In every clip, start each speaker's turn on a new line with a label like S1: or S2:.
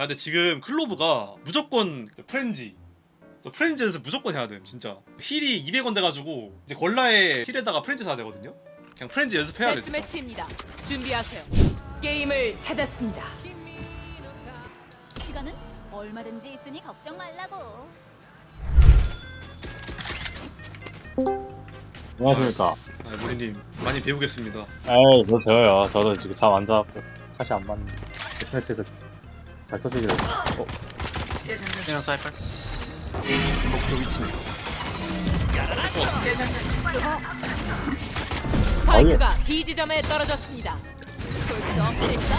S1: 근데 지금 클로브가 무조건 프렌지. 프렌즈에서 무조건 해야 돼 진짜. 힐이 200원 돼가지고 이제 걸라에 힐에다가 프렌즈 사야 되거든요. 그냥 프렌즈 연습해야 돼 진짜.
S2: 데스매치입니다. 준비하세요. 게임을 찾았습니다.
S3: 시간은 얼마든지 있으니 걱정 말라고.
S4: 안녕하십니까.
S1: 아 모리님 많이 배우겠습니다.
S4: 에이, 뭐 배워요. 저도 지금 잠 안 자고 다시 안 맞는 스매치에서 잘 써주기로 했어.
S5: 이런 사이퍼.
S2: 스파이크가 B 지점에 떨어졌습니다.
S3: 볼 수 없을까?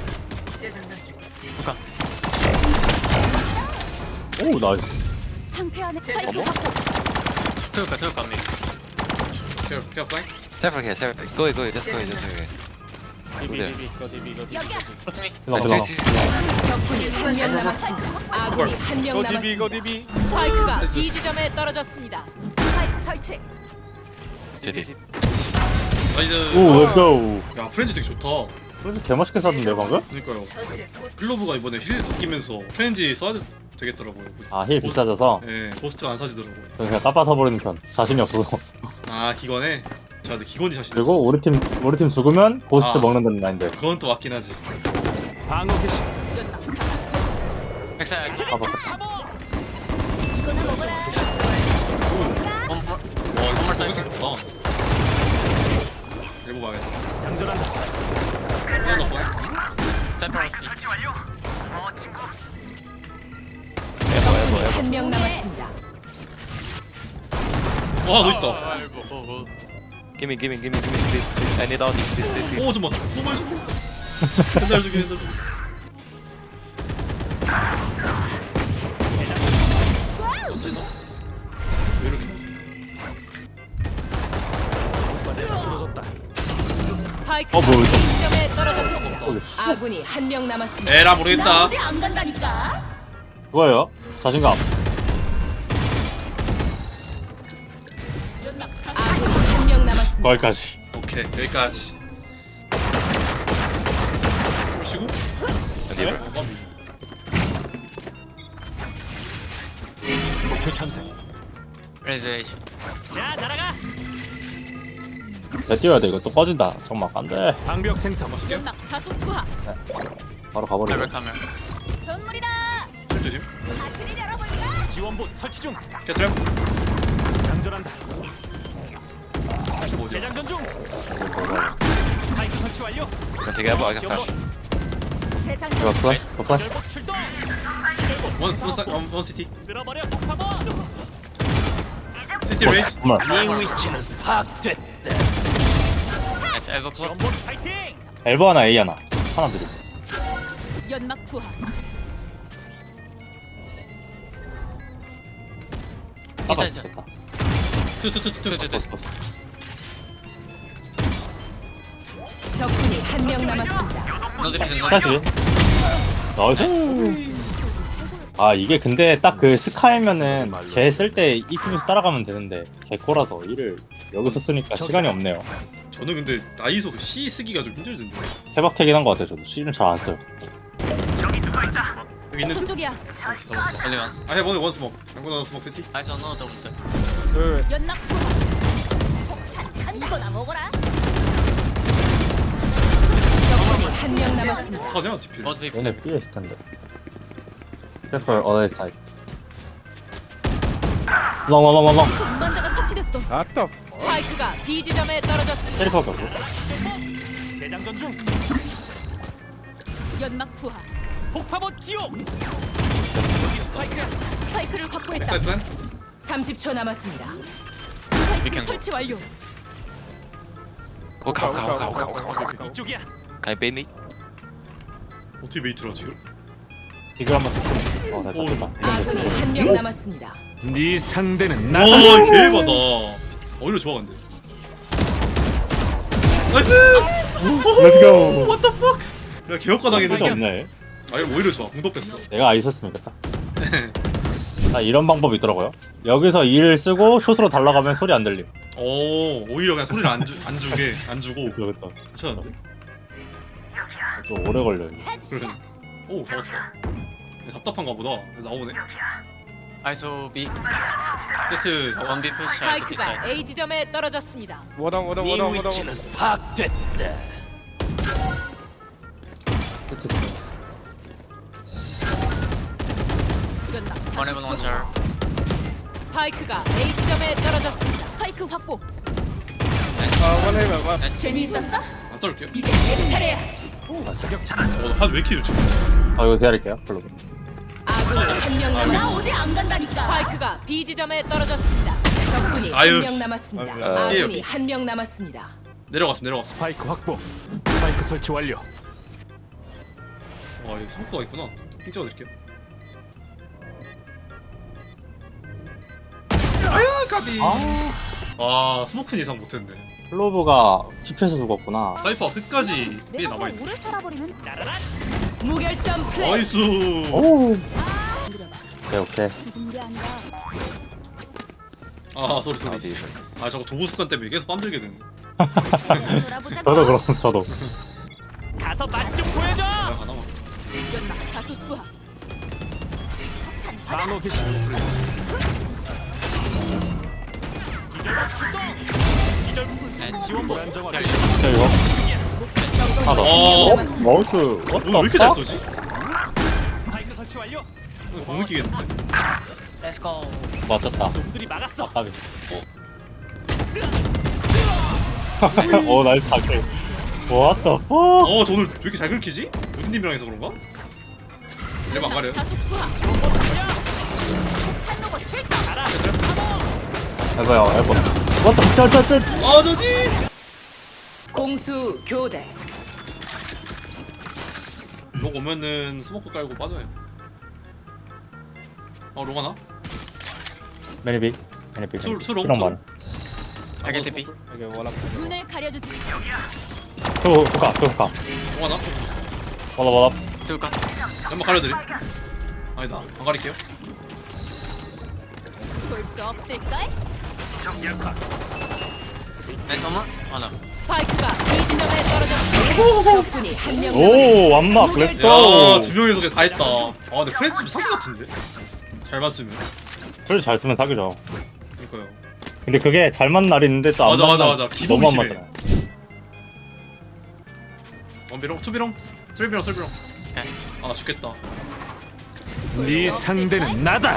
S4: 오, 나이스.
S3: 상쾌한 스파이크
S5: 들어올까 미.
S1: 케어 플라잉.
S5: 사이퍼 개 사이퍼. go let's go
S3: 여기야.
S5: What's me?
S4: 들어가.
S2: 적군이 한 명 남았습니다. 아군이 한 명 남았습니다. 스파이크가 B 지점에 떨어졌습니다.
S3: 스파이크 설치.
S5: 제디.
S1: 나이스.
S4: 오, 렛츠고.
S1: 야 프렌즈 되게 좋다.
S4: 솔직히 개맛있게 쌌는데요, 방금?
S1: 그러니까요. 클로브가 이번에 힐 바뀌면서 프렌즈 써야 되겠더라고요.
S4: 아, 힐 비싸져서
S1: 예, 보스트가 안 사지더라고요.
S4: 저는 그냥 따빠 서버리는 편. 자신이 없어서.
S1: 아 기관에. 제가 근데 기관이 자신.
S4: 그리고 우리 팀 죽으면 고스트
S1: 아.
S4: 먹는다는 마인드.
S1: 그건 또 맞긴 하지.
S5: 백사.
S4: 봐봐.
S3: 이거나 먹어라.
S1: 와 이거 생겼다. 일보 망했다. 장전한다.
S5: 사이퍼.
S2: 한 명 남았습니다.
S1: 와너 있다.
S5: Gimme please. I need all these please.
S1: 오 잠깐만. 너무 맛있어. 맨날 죽이. 어쩌나? 왜 이렇게?
S2: 스파이크가
S4: 뭐야,
S2: B
S4: 이거?
S2: 지점에 떨어졌습니다.
S4: 어디?
S2: 아군이 한 명 남았습니다.
S1: 에라
S3: 나
S1: 모르겠다.
S3: 어디 안 간다니까.
S4: 그거예요. 자신감.
S2: 아군이 한 명 남았습니다.
S4: 거기까지.
S1: 오케이 여기까지. 쉬고.
S5: 리버. 레즈레이션.
S4: 내 뛰어야 돼. 이거 또 꺼진다. 정말 안 돼.
S6: 방벽 생성.
S2: 연막 다수 투하.
S4: 바로 가버리자.
S5: 레벨 카메라.
S3: 선물이다.
S1: 조심.
S3: 아트를 열어볼까?
S6: 지원봇 설치 중.
S1: 캐트램.
S6: 장전한다. 재장전 중. 스파이크 설치 완료.
S5: 되게 해봐. I got flash.
S3: 재장전.
S4: 이거 플래시? 플래시?
S6: 절복 출동.
S1: 원 시티.
S6: 쓸어버려 폭파봇.
S1: 시티 레이스.
S4: 정말.
S6: 네 위치는 파악됐다.
S5: Nice. Elbow close.
S6: 지원봇 파이팅.
S4: 엘보 하나, A 하나. 하나 드림.
S2: 연막 투하.
S5: Inside.
S4: 됐다.
S1: 투투투투투.
S2: 적군이 한 명 남았습니다.
S5: No division. No
S4: 플래시? 나이스. 아, 이게 근데 딱 그 스카이면은 걔 쓸 때 있으면서 따라가면 되는데 개코라서 일을 여기서 쓰니까 시간이 없네요.
S1: 저는 근데 나이소 그 C 쓰기가 좀 힘들던데.
S4: 케바케긴 한 것 같아요. 저도 C는 잘 안 써요.
S1: 여기 있는.
S2: 저쪽이야.
S5: Only one.
S1: I have only one smoke. I'm gonna smoke city.
S5: I don't know double.
S2: 연막 투하.
S3: 폭탄 이거나 먹어라.
S2: 적군이 한 명 남았습니다.
S1: 타냐 디필.
S5: Both people.
S4: 얘네 B에 있을 텐데. Careful, other side. long.
S2: 운반자가 처치됐어. 스파이크가 B 지점에 떨어졌습니다.
S4: 때릴 수밖에 없고.
S6: 재장전 중.
S2: 연막 투하.
S6: 폭파봇 지옥. 여기 스파이크야.
S2: 스파이크를 확보했다.
S1: 사이드 플랜.
S2: 30초 남았습니다.
S5: We
S2: 스파이크
S5: can go.
S2: 설치 완료.
S5: 오카.
S6: 이쪽이야.
S5: Can I bait me?
S1: 어떻게 메이트라 지금?
S4: 이걸 한번 됐다. 됐다.
S2: 아군이 한 명 남았습니다.
S6: 네 상대는
S1: 와 개바다. 오히려 좋아 근데. 나이스.
S4: Let's go.
S1: What the fuck? 야 개혁가
S4: 소리가
S1: 당했는데.
S4: 없네.
S1: 아니 오히려 좋아. 공도 뺐어.
S4: 내가 아 있었으면 좋겠다. 아, 이런 방법이 있더라고요. 여기서 E를 쓰고 숏으로 달라가면 소리 안 들림.
S1: 오 오히려 그냥 소리를 안 주고
S4: 그쵸.
S1: 괜찮은데?
S4: 좀 오래 걸려요.
S3: 헤드샷.
S1: 오 잡았다. 답답한가 보다. 나오네.
S5: ISO B.
S1: 세트 잡아.
S5: 1B push. I to B
S2: 스파이크가
S5: side.
S2: A 지점에 떨어졌습니다.
S5: 파악됐다. One heaven, one star.
S2: 스파이크가 A 지점에 떨어졌습니다. 스파이크 확보. 재미있었어?
S1: 안 썰게요.
S2: 이제 내 차례야.
S1: 한왜 이렇게 좋지?
S4: 아 이거 기다릴게요. 별로.
S2: 아군이 한명
S3: 나
S2: 남았.
S3: 어디 안 간다니까.
S2: 스파이크가 B 지점에 떨어졌습니다. 적군이
S1: 아유,
S2: 한 명 남았습니다.
S1: 예.
S2: 아군이 한 명 남았습니다.
S1: 내려갔어.
S6: 스파이크 확보. 스파이크 설치 완료.
S1: 와 여기 스모크가 있구나. 핑 찍어드릴게요. 아유 까비. 아 스모크는 예상 못했는데.
S4: 클로브가 집에서 죽었구나.
S1: 사이퍼 끝까지 B에
S3: 내가
S1: 남아있네.
S3: 뭐 오래 살아버리면
S2: 무결점 플레이.
S1: 나이스.
S4: 오. 오케이.
S3: 죽은 게 아니라
S1: 아 쏘리. 아 저거 도구 습관 때문에 계속 빰들게 되네.
S3: 놀아보자.
S4: 저도 그럼 저도.
S6: 가서 맛 좀 보여줘.
S1: 아 가나 봐.
S2: 다수 투하.
S6: 나노 기술. 지원 불안정화.
S4: 자 이거. 하나 더.
S1: 어.
S4: 마우스.
S1: 오늘 왜 이렇게 잘 쏘지?
S6: 스파이크 설치 완료.
S1: 못 느끼겠는데.
S5: Let's go.
S4: 맞췄다.
S6: 놈들이 막았어.
S4: 까비. 오 나이스 다킬. What the fuck?
S1: 저 오늘 왜 이렇게 잘 긁히지? 무드님이랑 해서 그런가? 이러면 안 가려요?
S2: 다수 투하.
S4: 해봐요 해봐. What the 쩔쩔쩔.
S1: 아 저지!
S2: 공수 교대.
S1: 록 오면은 스모크 깔고 빠져요. 로가나?
S4: 매니빅. 매니빅.
S1: 수롱,
S4: 그런
S1: 수롱.
S4: 말.
S5: I get TP.
S3: 눈을 가려주지.
S4: 조카.
S1: 로가나?
S4: 와라.
S5: Two cut.
S1: 연막 가려드림. 아니다 안 가릴게요.
S3: 볼 수 없을까?
S5: Nice one more. Oh no.
S2: 스파이크가 B 지점에 떨어졌습니다. 적군이 한 명 남았습니다.
S4: 오 완막 렛츠고.
S1: 야두 명이서 그냥 다 했다. 근데 프렌치 좀 사기 같은데? 잘 봤으면.
S4: 그래서 잘 쓰면 사기죠.
S1: 그니까요.
S4: 근데 그게 잘 맞는 날이 있는데 또 안
S1: 맞아,
S4: 맞는
S1: 맞아.
S4: 날
S1: 기복이
S4: 너무 안
S1: 심해.
S4: 맞잖아.
S1: 원비롱, 투비롱, 쓰리비롱. 나 죽겠다.
S6: 네 상대는 나다.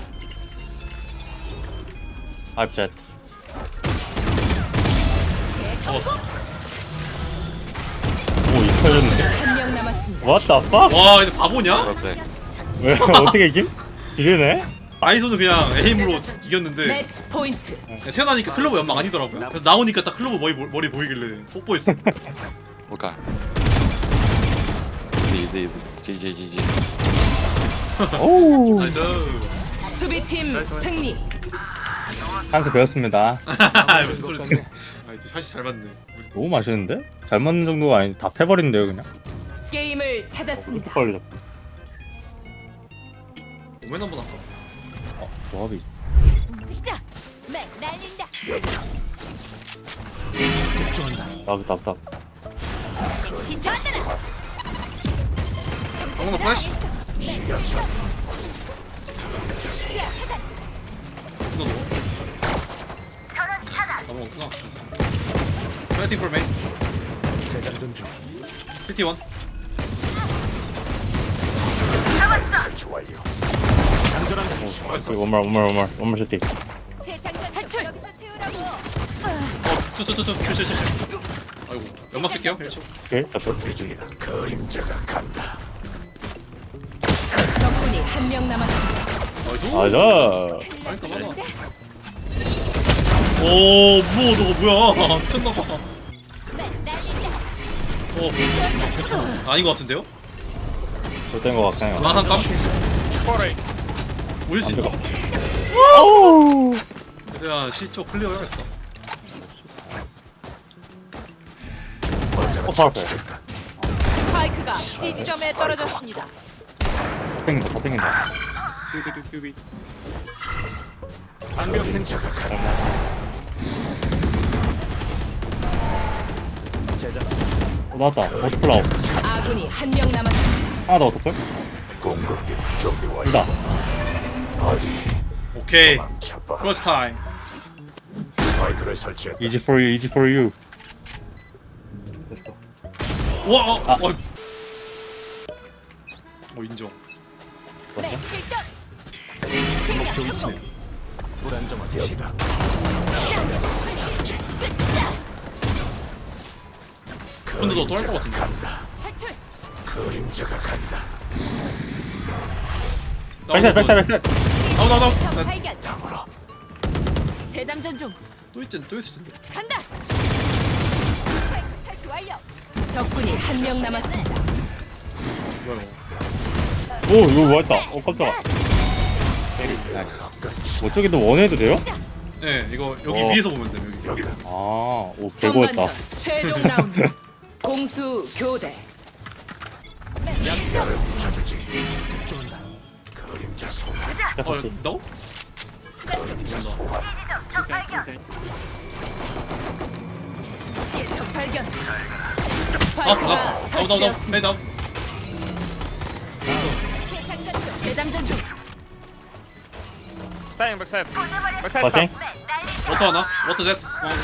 S4: 아입셋.
S1: 잡았어.
S4: 오 이뻐졌는데.
S2: 한 명 남았습니다.
S4: What the fuck?
S1: 와 근데 바보냐?
S4: 왜 어떻게 이김? 지르네?
S1: 아이소는 그냥 에임으로 이겼는데
S2: 매치 포인트.
S1: 그냥 태어나니까 클로버 연막 아니더라고요. 그래서 나오니까 딱 클로버 머리 보이길래 뽀뽀했어.
S5: Okay. GG.
S4: 오.
S1: 나이스.
S2: 수비팀 승리.
S4: 한수 배웠습니다.
S1: 무슨 소리지? 이제 샷이 잘 맞네.
S4: 너무 맛있는데? 잘 맞는 정도가 아니 다 패버린데요 그냥.
S2: 게임을 찾았습니다.
S4: 헐.
S1: 오멘 한번 할까?
S4: 조합이.
S3: 움직이자. 네, 날린다.
S4: 답.
S3: 시작하라.
S1: 방금 플래시?
S3: 시야 차단.
S1: 이거 넣어. 넘어갔구나. 파이팅 폴 메인.
S6: 재장전 중.
S1: 51.
S6: 설치 완료. 안전한
S4: 원말 슈팅.
S3: 재장전 탈출. 여기서 채우라고.
S1: 투. 아이고 연막 쓸게요. 1초.
S4: 오케이 됐어.
S6: 대중이다. 그림자가 간다.
S2: 적군이 한 명 남았습니다.
S1: 나이스.
S4: 맞아.
S1: 그러니까 맞아. 오 무서워 저거 뭐야? 미쳤나봐. 아닌 것 같은데요?
S4: 좋된 거 같아요.
S1: 만한 깜. 올릴 수 있나?
S4: 오우.
S1: 그래야 시쪽 클리어 해야겠다.
S4: 바로 앞에.
S2: 스파이크가 C 지점에 떨어졌습니다.
S4: 다 땡긴다.
S6: 방벽 생자가 간다. 재장.
S4: 나왔다. 오스플라우.
S2: 아군이 한 명 남았습니다.
S4: 하나 더 어떡해? 둘다
S1: 오케이. 크로스 타임.
S4: easy for you, easy for you.
S1: 와, 인정.
S3: 네, 실격.
S1: 근데 너 또 할 것 같은데.
S3: 탈출.
S4: 백살.
S1: 나오.
S3: 적 발견. 재장전 중.
S1: 또 있을 텐데.
S3: 간다. 스파이크 탈출 완료.
S2: 적군이 한 명 남았습니다.
S1: 뭐야 이거.
S4: 오 이거 뭐였다. 깜짝아. 뭐 저기도 원해도 돼요?
S1: 네, 이거 여기
S4: 어.
S1: 위에서 보면 돼 여기.
S4: 아오 개고였다.
S2: 전반전 최종 라운드. 공수 교대.
S1: 나오?
S2: 적 발견.
S1: 나왔어.
S2: 스파이크가
S1: 나오.
S2: 설치되었습니다.
S1: 페이드 아웃.
S3: 재장전 중.
S2: 재장전 중.
S5: Staying backside.
S4: 파팅?
S1: 워터 하나. 워터 셋.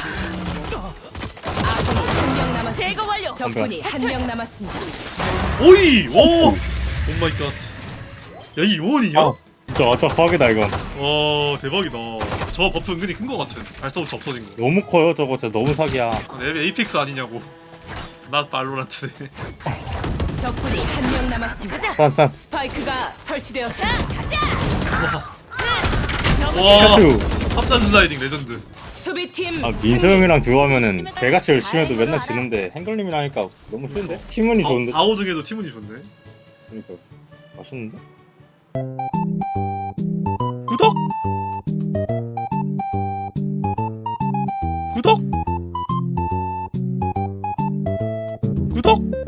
S2: 아군이 한 명 남았습니다. 제거 완료. 적군이 한 명 남았습니다.
S1: 오이! 오! 오 마이 갓. 야, 이 요원이냐?
S4: 아 진짜 아짝하게다 이건.
S1: 와, 대박이다. 저 버프 은근히 큰 거 같은. 발사부터 없어진 거.
S4: 너무 커요 저거 진짜 너무 사기야.
S1: 내 에이픽스 아니냐고. 나 발로란트네.
S2: 적군이 한 명 남았습니다.
S4: 싼.
S2: 스파이크가 설치되었습니다.
S1: 와,
S4: 피카츄.
S1: 합단 슬라이딩 레전드.
S2: 수비팀
S4: 아 민서 형이랑 듀오하면은 개같이 열심히 해도 맨날 지는데 행걸님이랑 하니까 너무 쉬운데? 팀원이 좋은데?
S1: 4, 5등에도 팀운이 좋네.
S4: 그러니까 맛있는데?
S1: 구독! 구독! 구독!